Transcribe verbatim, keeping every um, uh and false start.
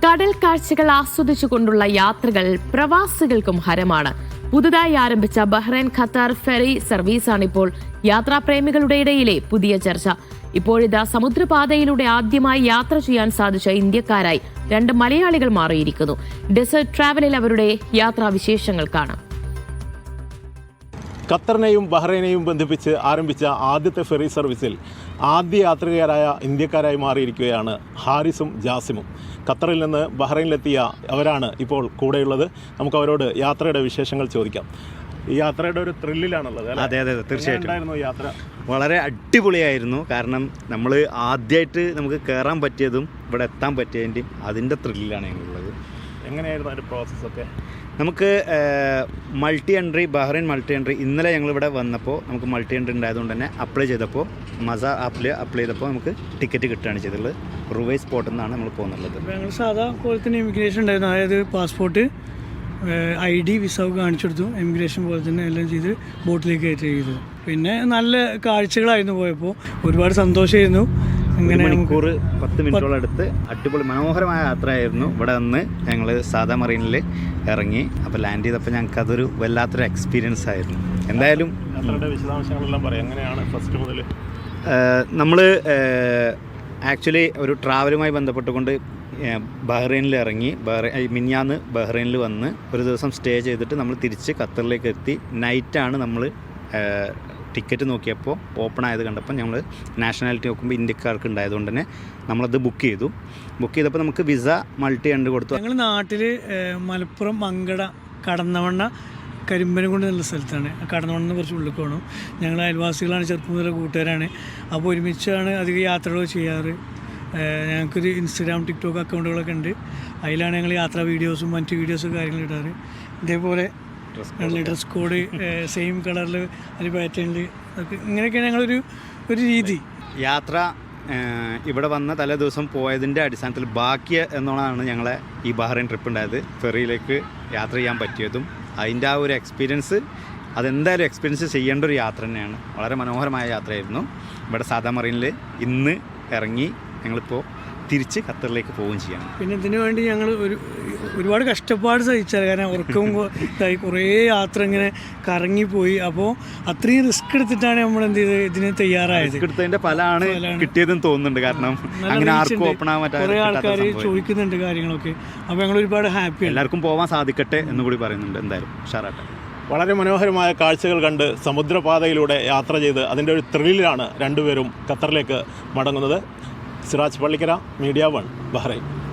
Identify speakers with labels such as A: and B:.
A: കടൽ കാഴ്ചകൾ ആസ്വദിച്ചുകൊണ്ടുള്ള യാത്രകൾ പ്രവാസികൾക്കും ഹരമാണ്. പുതുതായി ആരംഭിച്ച ബഹ്റൈൻ ഖത്തർ ഫെറി സർവീസാണിപ്പോൾ യാത്രാപ്രേമികളുടെ ഇടയിലെ പുതിയ ചർച്ച. ഇപ്പോഴിതാ സമുദ്രപാതയിലൂടെ ആദ്യമായി യാത്ര ചെയ്യാൻ സാധിച്ച ഇന്ത്യക്കാരായി രണ്ട് മലയാളികൾ മാറിയിരിക്കുന്നു. ഡെസേർട്ട് ട്രാവലിൽ അവരുടെ യാത്രാവിശേഷങ്ങൾ കാണാം.
B: ഖത്തറിനെയും ബഹ്റൈനെയും ബന്ധിപ്പിച്ച് ആരംഭിച്ച ആദ്യത്തെ ഫെറി സർവീസിൽ ആദ്യ യാത്രികരായ ഇന്ത്യക്കാരായി മാറിയിരിക്കുകയാണ് ഹാരിസും ജാസിമും. ഖത്തറിൽ നിന്ന് ബഹ്റൈനിലെത്തിയ അവരാണ് ഇപ്പോൾ കൂടെയുള്ളത്. നമുക്ക് അവരോട് യാത്രയുടെ വിശേഷങ്ങൾ ചോദിക്കാം. ഈ യാത്രയുടെ ഒരു ത്രില്ലിലാണുള്ളത്.
C: അതെ അതെ തീർച്ചയായിട്ടും
B: യാത്ര
C: വളരെ അടിപൊളിയായിരുന്നു. കാരണം നമ്മൾ ആദ്യമായിട്ട് നമുക്ക് കയറാൻ പറ്റിയതും ഇവിടെ എത്താൻ പറ്റിയതിൻ്റെയും അതിൻ്റെ ത്രില്ലിലാണ് ഞങ്ങളുള്ളത്.
B: എങ്ങനെയായിരുന്നു അതിൻ്റെ പ്രോസസ്സൊക്കെ?
C: നമുക്ക് multi entry Bahrain multi entry ഇന്നലെ ഞങ്ങളിവിടെ വന്നപ്പോൾ നമുക്ക് മൾട്ടി എൻട്രി ഉണ്ടായതുകൊണ്ട് തന്നെ അപ്ലൈ ചെയ്തപ്പോൾ മസ ആപ്പിൽ അപ്ലൈ ചെയ്തപ്പോൾ നമുക്ക് ടിക്കറ്റ് കിട്ടുകയാണ് ചെയ്തിട്ടുള്ളത്. റുവൈ സ്പോട്ടിൽ നിന്നാണ് നമ്മൾ പോകുന്നുള്ളത്.
D: ഞങ്ങൾ സാധാ പോലെ തന്നെ ഇമിഗ്രേഷൻ ഉണ്ടായിരുന്നു. അതായത് പാസ്പോർട്ട്, ഐ ഡി, വിസ കാണിച്ചെടുത്തു. ഇമിഗ്രേഷൻ പോലെ തന്നെ എല്ലാം ചെയ്ത് ബോട്ടിലേക്ക് കയറ്റി ചെയ്തു. പിന്നെ നല്ല കാഴ്ചകളായിരുന്നു പോയപ്പോൾ. ഒരുപാട് സന്തോഷമായിരുന്നു.
C: ഇങ്ങനെ മണിക്കൂർ പത്ത് മിനിറ്റോളം എടുത്ത് അടിപൊളി മനോഹരമായ യാത്രയായിരുന്നു. ഇവിടെ വന്ന് ഞങ്ങൾ സാധാ മറീനിൽ ഇറങ്ങി. അപ്പോൾ ലാൻഡ് ചെയ്തപ്പോൾ ഞങ്ങൾക്ക് അതൊരു വല്ലാത്തൊരു എക്സ്പീരിയൻസ് ആയിരുന്നു. എന്തായാലും
B: വിശദാംശങ്ങളെല്ലാം പറയാം. എങ്ങനെയാണ് ഫസ്റ്റ് മുതൽ
C: നമ്മൾ ആക്ച്വലി ഒരു ട്രാവലുമായി ബന്ധപ്പെട്ടുകൊണ്ട് ബഹ്റൈനിൽ ഇറങ്ങി. ബഹ്റൈൻ മിനിഞ്ഞാന്ന് ബഹ്റൈനിൽ വന്ന് ഒരു ദിവസം സ്റ്റേ ചെയ്തിട്ട് നമ്മൾ തിരിച്ച് ഖത്തറിലേക്ക് എത്തി. നൈറ്റാണ് നമ്മൾ ടിക്കറ്റ് നോക്കിയപ്പോൾ ഓപ്പൺ ആയത് കണ്ടപ്പോൾ ഞങ്ങൾ നാഷണാലിറ്റി നോക്കുമ്പോൾ ഇന്ത്യക്കാർക്ക് ഉണ്ടായതുകൊണ്ട് തന്നെ നമ്മളത് ബുക്ക് ചെയ്തു. ബുക്ക് ചെയ്തപ്പോൾ നമുക്ക് വിസ മൾട്ടി എൻട്രി കൊടുത്തു.
D: ഞങ്ങൾ നാട്ടിൽ മലപ്പുറം മങ്കട കടന്നവണ്ണ കരിമ്പനംകുണ്ട് എന്നുള്ള സ്ഥലത്താണ്. കടന്നവണ്ണം കുറച്ച് ഉള്ളിൽ പോകണം. ഞങ്ങൾ അയൽവാസികളാണ്, ചെറുപ്പം മുതലുള്ള കൂട്ടുകാരാണ്. അപ്പോൾ ഒരുമിച്ചാണ് അധികം യാത്രകൾ ചെയ്യാറ്. ഞങ്ങൾക്കൊരു ഇൻസ്റ്റഗ്രാം ടിക്ടോക്ക് അക്കൗണ്ടുകളൊക്കെ ഉണ്ട്. അതിലാണ് ഞങ്ങൾ യാത്രാ വീഡിയോസും മറ്റ് വീഡിയോസും കാര്യങ്ങളും ഇടാറ്. ഇതേപോലെ ഡ്രസ് കോഡ് സെയിം കളറിൽ ഒരു പാറ്റേണിൽ ഒക്കെ ഇങ്ങനെയൊക്കെയാണ് ഞങ്ങളൊരു ഒരു രീതി.
C: യാത്ര ഇവിടെ വന്ന തലേ ദിവസം പോയതിൻ്റെ അടിസ്ഥാനത്തിൽ ബാക്കി എന്നോണമാണ് ഞങ്ങളെ ഈ ബഹ്റൈൻ ട്രിപ്പ് ഉണ്ടായത്. ഫെറിയിലേക്ക് യാത്ര ചെയ്യാൻ പറ്റിയതും അതിൻ്റെ ആ ഒരു എക്സ്പീരിയൻസ് അതെന്തായാലും എക്സ്പീരിയൻസ് ചെയ്യേണ്ട ഒരു യാത്ര തന്നെയാണ്. വളരെ മനോഹരമായ യാത്രയായിരുന്നു. ഇവിടെ സാധാ മറീനിൽ ഇന്ന് ഇറങ്ങി ഞങ്ങളിപ്പോൾ തിരിച്ച് ഖത്തറിലേക്ക് പോവുകയും ചെയ്യണം.
D: പിന്നെ ഇതിനു വേണ്ടി ഞങ്ങൾ ഒരു ഒരുപാട് കഷ്ടപ്പാട് സഹിച്ചാൽ, കാരണം ഉറക്കവും ഇതായി കുറേ യാത്ര ഇങ്ങനെ കറങ്ങിപ്പോയി. അപ്പോൾ അത്രയും റിസ്ക് എടുത്തിട്ടാണ് നമ്മൾ എന്ത് ചെയ്ത് ഇതിന് തയ്യാറായത്.
C: റിസ്ക് എടുത്തതിൻ്റെ ഫലമാണ് കിട്ടിയതെന്ന് തോന്നുന്നുണ്ട്. കാരണം അങ്ങനെ ആർക്കും ഓപ്പൺ ആവാൻ പറ്റാത്ത
D: കുറേ ആൾക്കാർ ചോദിക്കുന്നുണ്ട് കാര്യങ്ങളൊക്കെ. അപ്പോൾ ഞങ്ങൾ ഒരുപാട് ഹാപ്പി.
C: എല്ലാവർക്കും പോകാൻ സാധിക്കട്ടെ എന്ന് കൂടി പറയുന്നുണ്ട്. എന്തായാലും ഉഷാറാട്ടെ.
B: വളരെ മനോഹരമായ കാഴ്ചകൾ കണ്ട് സമുദ്രപാതയിലൂടെ യാത്ര ചെയ്ത് അതിൻ്റെ ഒരു ത്രില്ലിലാണ് രണ്ടുപേരും ഖത്തറിലേക്ക് മടങ്ങുന്നത്. Siraj Pallikkara, Media One, Bahrain.